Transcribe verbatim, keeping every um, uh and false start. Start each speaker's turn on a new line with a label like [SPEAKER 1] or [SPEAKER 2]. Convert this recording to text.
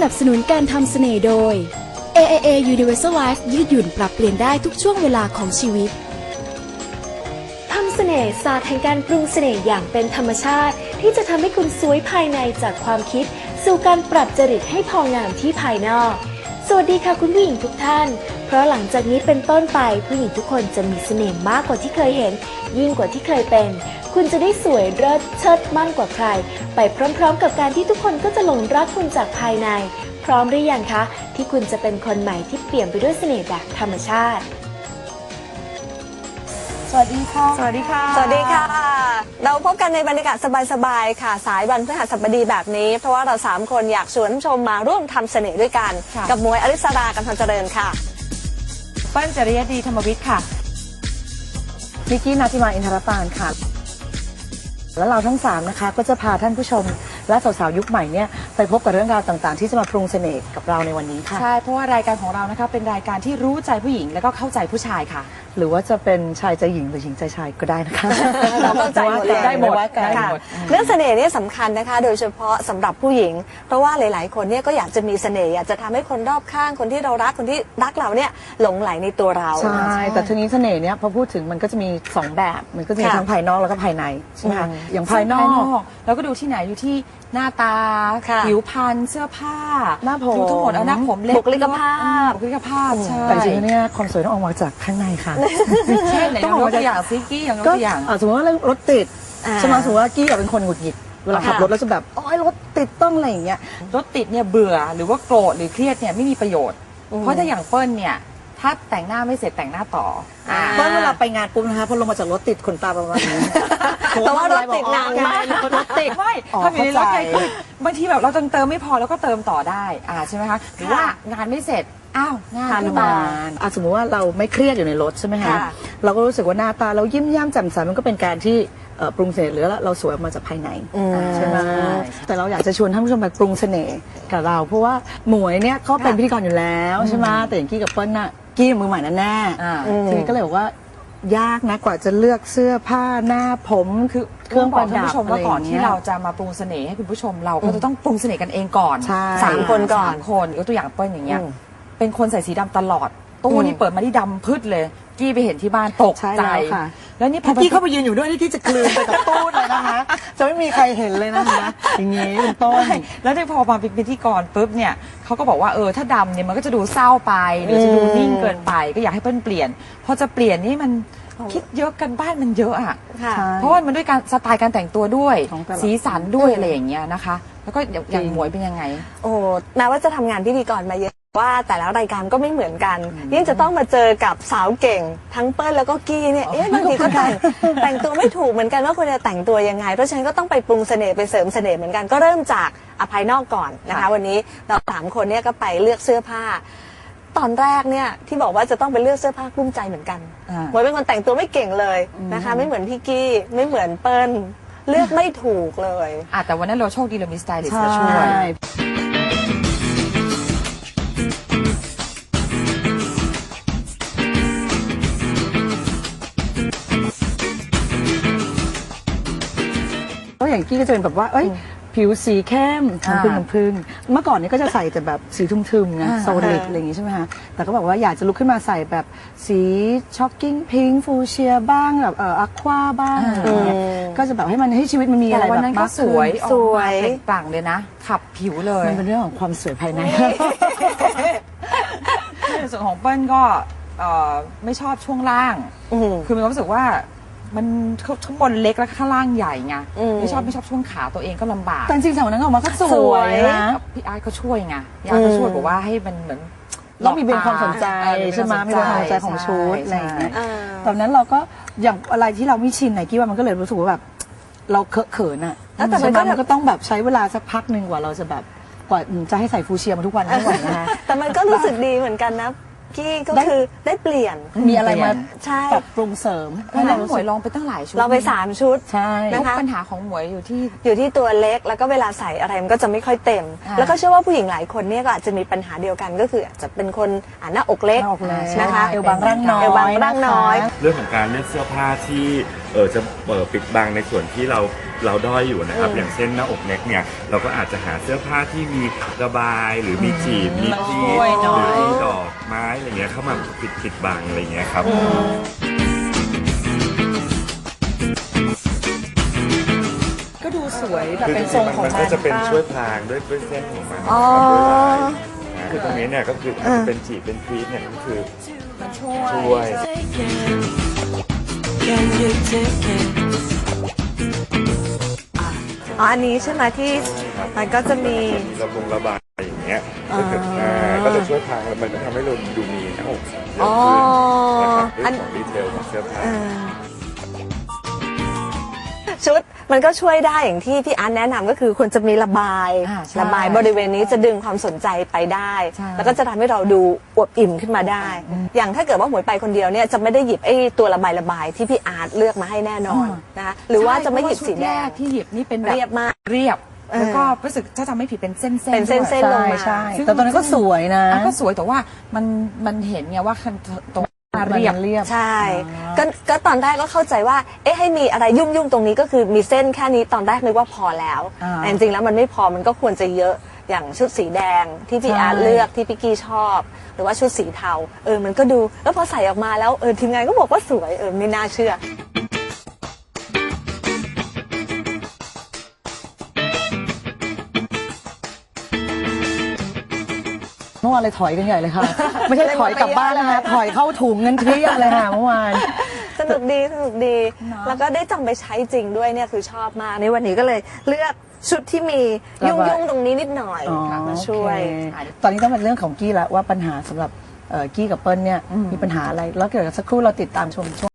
[SPEAKER 1] นับสนุนการทำเสน่ห์โดย เอ เอ เอ Universal Life ยืดหยุ่นปรับเปลี่ยนได้ทุกช่วงเวลาของชีวิตทำเสน่ห์ศาสตร์แห่งการปรุงเสน่ห์อย่างเป็นธรรมชาติที่จะทำให้คุณสวยภายในจากความคิดสู่การปรับจริตให้พองามที่ภายนอกสวัสดีค่ะคุณผู้หญิงทุกท่านเพราะหลังจากนี้เป็นต้นไปผู้หญิงทุกคนจะมีเสน่ห์มากกว่าที่เคยเห็นยิ่งกว่าที่เคยเป็นคุณจะได้สวยเลิศเชิดมั่นกว่าใครไปพร้อมๆกับการที่ทุกคนก็จะหลงรักคุณจากภายในพร้อมหรือยังคะที่คุณจะเป็นคนใหม่ที่เปี่ยมไปด้วยเสน่ห์แบบธรรมชาติ
[SPEAKER 2] สวัสดีค่ะ
[SPEAKER 3] สวัสดีค่ะ
[SPEAKER 2] สวัสดีค่ะเราพบกันในบรรยากาศสบายๆค่ะสายวันพฤหัสบดีแบบนี้เพราะว่าเราสามคนอยากชวนผู้ชมมาร่วมทำเสน่ห์ด้วยกันกับหมวยอริสรากันทันเจริญค่ะ
[SPEAKER 3] เปิ้ลจริยดีธรรมวิทย์ค่ะ
[SPEAKER 4] นิกกี้นาทิมาอินทรปานค่ะแล้วเราทั้งสามนะคะก็จะพาท่านผู้ชมและสาวๆยุคใหม่เนี่ยไปพบกับเรื่องราวต่างๆที่จะมาปรุงเสน่ห์กับเราในวันนี้ค่ะ
[SPEAKER 3] ใช่เพราะว่ารายการของเรานะคะเป็นรายการที่รู้ใจผู้หญิงแล้วก็เข้าใจผู้ชายค่ะ
[SPEAKER 4] หรือว่าจะเป็นชายใจหญิงหรือหญิงใจชายก็ได้นะคะ
[SPEAKER 2] เราเข้าใจหมดเลย
[SPEAKER 4] ได้หมด
[SPEAKER 2] ค่ะเรื่องเสน่ห์นี่สำคัญนะคะโดยเฉพาะสำหรับผู้หญิงเพราะว่าหลายๆคนเนี่ยก็อยากจะมีเสน่ห์อยากจะทำให้คนรอบข้างคนที่เรารักคนที่รักเราเนี่ยหลงไหลในตัวเรา
[SPEAKER 4] ใช่แต่ทีนี้เสน่ห์เนี่ยพอพูดถึงมันก็จะมีสองแบบมันก็จะมีทั้งภายนอกแล้วก็ภายในใช่ไหมคะอย่างภายนอก
[SPEAKER 3] เราก็ดูที่ไหนอยู่ที่หน้าตาผิวพรรณเสื้อผ้า
[SPEAKER 4] หน้าผม
[SPEAKER 3] ทั้งหมดเอาหน้าผมเล็บ
[SPEAKER 2] บุคลิกภาพ
[SPEAKER 3] บุคลิกภาพใช่
[SPEAKER 4] แต่จริงๆเนี่ยความสวยต้องออกมาจากข้างในค่ะ
[SPEAKER 3] เช่นไหนยกตัวอย่างซิกี้อย่างยกตัวอย่าง
[SPEAKER 4] สมมติว่ารถติดใช่ไหมสมมติว่ากี้เป็นคนหงุดหงิดเวลาขับรถแล้วจะแบบโอ้ยรถติดต้องอะไรอย่างเงี้ย
[SPEAKER 3] รถติดเนี่ยเบื่อหรือว่าโกรธหรือเครียดเนี่ยไม่มีประโยชน์เพราะถ้าอย่างเปิ้ลเนี่ยถ้าแต่งหน้าไม่เสร็จแต่งหน้าต่อ
[SPEAKER 4] เพราะเวลาไปงานปุ๊บนะคะพอลงมาจากรถติดขนตาประมาณนี้
[SPEAKER 2] แต่ว่ารถติดนานมาก
[SPEAKER 4] รถติด
[SPEAKER 3] ไม่ถ้าอยู่ในรถไงคือบางทีแบบเราเติมเติมไม่พอแล้วก็เติมต่อได้อ่าใช่ไหมคะหรือว่างานไม่เสร็จอ้าวงาน
[SPEAKER 4] ทานมาสมมติว่าเราไม่เครียดอยู่ในรถใช่ไหมคะเราก็รู้สึกว่าหน้าตาเรายิ้มแย้มแจ่มใสมันก็เป็นการที่ปรุงเสน่ห์หรือเราสวยออกมาจากภายในใช่ไหมแต่เราอยากจะชวนท่านผู้ชมไปปรุงเสน่ห์กับเราเพราะว่าหมวยเนี่ยเขาเป็นพิธีกรอยู่แล้วใช่ไหมแต่อย่างกี้กับเปิ้ลน่ะกี้มือใหม่แน่ๆทีนี้ก็เลยบอกว่ายากนะกว่าจะเลือกเสื้อผ้าหน้าผมคือ
[SPEAKER 3] เครื่องประดับอะไรก่อนที่เราจะมาปรุงเสน่ห์ให้คุณผู้ชมเราก็จะต้องปรุงเสน่ห์กันเองก่อน
[SPEAKER 2] สามคนก่อน
[SPEAKER 3] คนยกตัวอย่างเปิ้ลอย่างเงี้ยเป็นคนใส่สีดำตลอดตู้นี่เปิดมาที่ดำพืชเลยกี้ไปเห็นที่บ้านตกใจ
[SPEAKER 4] แล้วนี่พอกี้เข้าไปยืนอยู่ด้วยที่จะกลืนไปกับตู้เลยนะคะจะไม่มีใครเห็นเลยนะคะอย่างนี้เป็นต้น
[SPEAKER 3] แล้วพอมาเป็นพิธีกรปุ๊บเนี่ยเขาก็บอกว่าเออถ้าดำเนี่ยมันก็จะดูเศร้าไปหรือจะดูนิ่งเกินไปก็อยากให้เปิ้ลเปลี่ยนพอจะเปลี่ยนนี่มันคิดเยอะกันบ้านมันเยอะอ่ะเพราะว่ามันด้วยการสไตล์การแต่งตัวด้วยสีสันด้วยอะไรอย่างเงี้ยนะคะแล้วก็อย่างหมวยเป็นยังไง
[SPEAKER 2] โอ้แม้ว่าจะทำงานพิธีกรมาเยอะว่าแต่ละรายการก็ไม่เหมือนกันยิ่งจะต้องมาเจอกับสาวเก่งทั้งเปิ้ลแล้วก็กี้เนี่ยเอ๊ะบางทีก็แต่งแต่งตัวไม่ถูกเหมือนกันว่าควรจะแต่งตัวยังไงเพราะฉะนั้นก็ต้องไปปรุงเสน่ห์ไปเสริมเสน่ห์เหมือนกันก็เริ่มจากภายนอกก่อนนะคะวันนี้เราสามคนเนี่ยก็ไปเลือกเสื้อผ้าตอนแรกเนี่ยที่บอกว่าจะต้องไปเลือกเสื้อผ้ากลุ้มใจเหมือนกันหมวยเป็นคนแต่งตัวไม่เก่งเลยนะคะไม่เหมือนพี่กี้ไม่เหมือนเปิ้ลเลือกไม่ถูกเลย
[SPEAKER 3] อ่ะแต่วันนั้นเราโชคดีเรามีสไตลิสต์มาช่วย
[SPEAKER 4] อย่างกี้ก็จะเป็นแบบว่าเอ้ยผิวสีเข้มน้ำผึ้งน้ำผึ้งเมื่อก่อนนี้ก็จะใส่แต่แบบสีทึมๆนะโซลิดอะไรอย่างงี้ใช่ไหมคะแต่ก็บอกว่าอยากจะลุกขึ้นมาใส่แบบสีช็อกกิ้งพิงค์ฟูเชียบ้างแบบเอ่ออะควาบ้างอะไรอย่างเงี้ยก็จะแบบให้มันให้ชีวิตมันมีอะไรแบบ
[SPEAKER 3] มากสวยสวยเปล่งปลั่งเลยนะขับผิวเลย
[SPEAKER 4] มันเป็นเรื่องของความสวยภายใน
[SPEAKER 3] ในส่วนของเปิ้ลก็ไม่ชอบช่วงล่างคือมีความรู้สึกว่ามันข้างบนเล็กแล้วข้างล่างใหญ่ไงไม่ชอบไม่ชอบช่วงขาตัวเองก็ลำบาก
[SPEAKER 4] แต่จริงๆสาวนั้นออกมาก็สวยนะ
[SPEAKER 3] พี่อาร์ตเขาช่วยไงพี่อาร์ตเขาช่วยบอกว่าให้มันเหมือน
[SPEAKER 4] ต้องมีเป็นความสนใจใช่ไหมมีเป็นความสนใจของชุดอะไรอย่างเงี้ยตอนนั้นเราก็อย่างอะไรที่เราไม่ชินไหนกี้ว่ามันก็เลยรู้สึกว่าแบบเราเคอะเขินอ่ะแต่มันก็ต้องแบบใช้เวลาสักพักหนึ่งกว่าเราจะแบบกว่าจะให้ใส่ฟูเชียมาทุกวันไม่ไหวนะ
[SPEAKER 2] แต่มันก็รู้สึกดีเหมือนกันนะกี้ก็คือได้เปลี่ยน
[SPEAKER 4] มีอะไรมาปรับปรุงเสริม
[SPEAKER 3] ให้เราหมวยลองไปตั้งหลายชุด
[SPEAKER 2] เราไปสามชุด
[SPEAKER 4] ใช่
[SPEAKER 3] นะคะปัญหาของหมวยอยู่ที่
[SPEAKER 2] อยู่ที่ตัวเล็กแล้วก็เวลาใส่อะไรมันก็จะไม่ค่อยเต็มแล้วก็เชื่อว่าผู้หญิงหลายคนเนี่ยก็อาจจะมีปัญหาเดียวกันก็คืออาจจะเป็นคนหน้าอกเล็กนะคะ
[SPEAKER 4] เอวบางร่างน้อย
[SPEAKER 2] เอวบางร่างน้อย
[SPEAKER 5] เรื่องของการเลือกเสื้อผ้าที่เออจะเปิดปิดบังในส่วนที่เราเราด้อยอยู่นะครับ
[SPEAKER 2] อืม
[SPEAKER 5] อย่างเช่นหน้าอกเน็กเนี่ยเราก็อาจจะหาเสื้อผ้าที่มีระบายหรือมีจีบมีจี
[SPEAKER 3] ช่วยหน่
[SPEAKER 5] ห
[SPEAKER 3] อย
[SPEAKER 5] รือมีดอกไม้อะไรเงี้ยเข้ามาปิดปิดบังอะไรเงี้ยครับ
[SPEAKER 4] ก็ดูสวยแบบเป็นทรงของ
[SPEAKER 5] มัน
[SPEAKER 4] มั
[SPEAKER 5] ก็
[SPEAKER 4] น
[SPEAKER 5] จะเป็น
[SPEAKER 4] ป้า
[SPEAKER 5] ช่วยพรางด้วยด้วยเส้นของมัน
[SPEAKER 2] อ๋อ
[SPEAKER 5] นะครับด้วยลายนะคือตรงนี้เนี่ยก็คือถ้าจะเป็นจีบเป็นพีทเนี่ยก็คือ
[SPEAKER 4] ช่วย
[SPEAKER 5] ช่วย
[SPEAKER 2] อ๋ออันนี้ใช่ไหมที่
[SPEAKER 5] ครับ
[SPEAKER 2] มันก็จะมี
[SPEAKER 5] มีระบงระบายอย่างเงี้ยก็คืออ่าก็จะช่วยพรางแล้วมันก็ทำให้เราดูมีหน้าอกเยอะ
[SPEAKER 2] อ๋อ
[SPEAKER 5] ขึ้นนะครับ
[SPEAKER 2] อัน
[SPEAKER 5] ด้วยของดีเทลของเสื้อผ้า
[SPEAKER 2] เออชุดมันก็ช่วยได้อย่างที่พี่อาร์ตแนะนำก็คือควรจะมีระบาย
[SPEAKER 3] อ่าใช่
[SPEAKER 2] ระบายบริเวณนี้จะดึงความสนใจไปได้
[SPEAKER 3] ใช่
[SPEAKER 2] แล้วก็จะทำให้เราดูอวบอิ่มขึ้นมาได้ อย่างถ้าเกิดว่าหมวยไปคนเดียวเนี่ยจะไม่ได้หยิบไอ้ตัวระบายระบายที่พี่อาร์ตเลือกมาให้แน่นอนนะคะหรือว่าจะไม่หยิบสีแด
[SPEAKER 3] ใช่
[SPEAKER 2] ง
[SPEAKER 3] เพราะว่าชุรกที่หยิบนี่เป็นแบบ
[SPEAKER 2] เรียบมาก
[SPEAKER 3] เรียบ
[SPEAKER 2] เออ
[SPEAKER 3] แล้วก็รู้สึกถ้าจำไม่ผิดเป็นเส้นๆ
[SPEAKER 2] เป็นเส้นๆ
[SPEAKER 3] ด้วย
[SPEAKER 2] ลงมา
[SPEAKER 4] ใช่ใช่แต่ตอนนั้นก็สวยนะ
[SPEAKER 3] อ่ะก็สวยแต่ว่ามันมันเห็นไงว่าคันตรงหน้าเรียบ
[SPEAKER 4] เรียบ
[SPEAKER 2] ใช่ก็ก็ตอนแรกก็เข้าใจว่า เอ๊ะให้มีอะไรยุ่งยุ่งๆตรงนี้ก็คือมีเส้นแค่นี้ตอนแรกนึกว่าพอแล้ว
[SPEAKER 3] อ่า
[SPEAKER 2] แต่จริงๆแล้วมันไม่พอมันก็ควรจะเยอะอย่างชุดสีแดงที่พี่
[SPEAKER 4] ใช่
[SPEAKER 2] อาร์ตเลือกที่พี่กี้ชอบ หรือว่าชุดสีเทาเออมันก็ดูแล้วพอใส่ออกมาแล้วเออทีมงานก็บอกว่าสวยเออไม่น่าเชื่อ
[SPEAKER 4] เมื่อวานเลยถอยกันใหญ่เลยค่ะ ไม่ใช่ถอยกลับบ้านนะคะถอยเข้าถุงเงินเทียบเลยค่ะเมื่อวาน
[SPEAKER 2] สนุกดีสนุกดี แล้วก็ได้จำไปใช้จริงด้วยเนี่ยคือชอบมากในวันนี้ก็เลยเลือกชุดที่มียุ่งยุ่งๆตรงนี้นิดหน่อย
[SPEAKER 4] อ๋อ
[SPEAKER 2] มาช่วย
[SPEAKER 4] โอเคตอนนี้ต้องเป็นเรื่องของกี้แล้วว่าปัญหาสำหรับเอ่อกี้กับเปิ้ลเนี่ยมีปัญหาอะไร แล้วเกิดสักครู่เราติดตามชมช่วง